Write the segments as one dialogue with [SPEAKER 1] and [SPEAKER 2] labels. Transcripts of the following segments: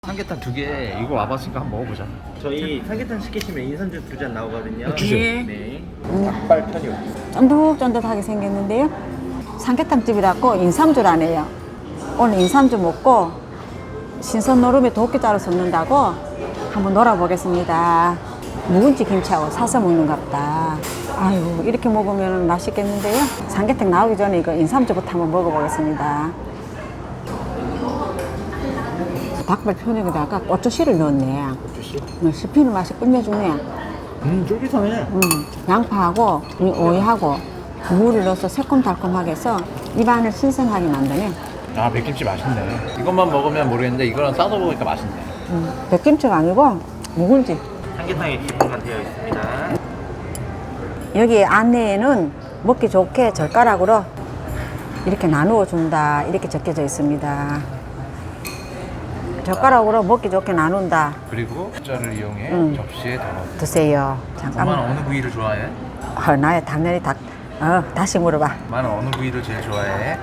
[SPEAKER 1] 삼계탕 2개 이거 와봤으니까 한번 먹어보자.
[SPEAKER 2] 저희 삼계탕 시키시면 인삼주 2잔 나오거든요.
[SPEAKER 1] 주세요.
[SPEAKER 2] 네. 닭발 편육.
[SPEAKER 3] 쫀득쫀득하게 생겼는데요. 삼계탕집이라고 인삼주라네요. 오늘 인삼주 먹고 신선 노름에 도끼자루 섞는다고 한번 놀아보겠습니다. 묵은지 김치하고 사서 먹는갑다. 아유, 이렇게 먹으면 맛있겠는데요. 삼계탕 나오기 전에 이거 인삼주부터 한번 먹어보겠습니다. 닭발 편육에다가 고추씨를 넣었네.
[SPEAKER 2] 고추씨?
[SPEAKER 3] 씹히는 맛이 끝내주네.
[SPEAKER 2] 쫄깃하네.
[SPEAKER 3] 양파하고 이 오이하고 무를 넣어서 새콤달콤하게 해서 입안을 신선하게 만드네.
[SPEAKER 1] 아, 백김치 맛있네. 이것만 먹으면 모르겠는데 이거랑 싸서 먹으니까 맛있네.
[SPEAKER 3] 백김치가 아니고 묵은지.
[SPEAKER 2] 삼계탕에 기본만 되어 있습니다.
[SPEAKER 3] 여기 안내에는 먹기 좋게 젓가락으로 이렇게 나누어 준다 이렇게 적혀져 있습니다. 젓가락으로 먹기 좋게 나눈다.
[SPEAKER 1] 그리고 숫자를 이용해 접시에 담아.
[SPEAKER 3] 드세요.
[SPEAKER 1] 엄마는
[SPEAKER 3] 잠깐만.
[SPEAKER 1] 어느 부위를 좋아해?
[SPEAKER 3] 나야 당연히 다시 물어봐.
[SPEAKER 1] 엄마는 어느 부위를 제일 좋아해?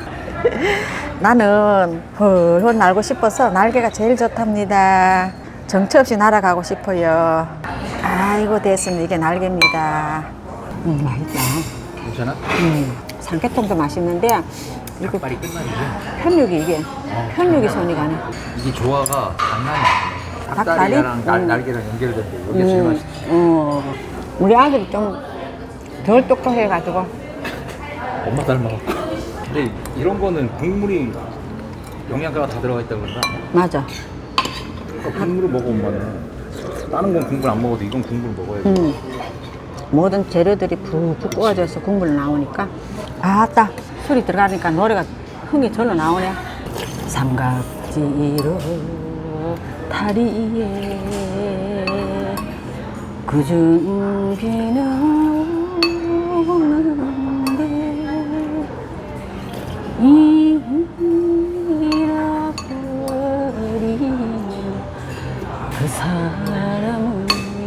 [SPEAKER 3] 나는 훌훌 날고 싶어서 날개가 제일 좋답니다. 정처 없이 날아가고 싶어요. 아이고 됐습니다. 이게 날개입니다. 맛있다.
[SPEAKER 1] 괜찮아?
[SPEAKER 3] 삼계탕도 맛있는데 이거
[SPEAKER 1] 닭발이 끝나주지?
[SPEAKER 3] 편육이 이게 편육이 손이 가네.
[SPEAKER 1] 이게 조화가 장난이 아니야.
[SPEAKER 3] 닭다리?
[SPEAKER 1] 닭다리랑 날개랑 연결된대. 이게 제일 맛있지.
[SPEAKER 3] 우리 아들이 좀 덜 똑똑해가지고
[SPEAKER 1] 엄마 닮아. 근데 이런 거는 국물이 영양가가 다 들어가 있다 그런가?
[SPEAKER 3] 맞아.
[SPEAKER 1] 국물을 먹어 엄마는. 다른 건 국물 안 먹어도 이건 국물 먹어야지.
[SPEAKER 3] 모든 재료들이 푹푹 구워져서 국물 나오니까 아따 술이 들어가니까 노래가 흥이 절로 나오네. 삼각지로 다리에 그중 비는 오는데 잃어버린 그 사람은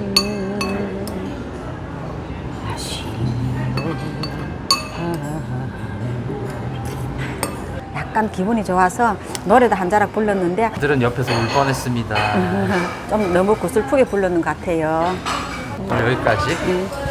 [SPEAKER 3] 약간 기분이 좋아서 노래도 한 자락 불렀는데
[SPEAKER 1] 아들은 옆에서 울 뻔했습니다.
[SPEAKER 3] 좀 너무 구슬프게 불렀는 것 같아요.
[SPEAKER 1] 오늘 여기까지.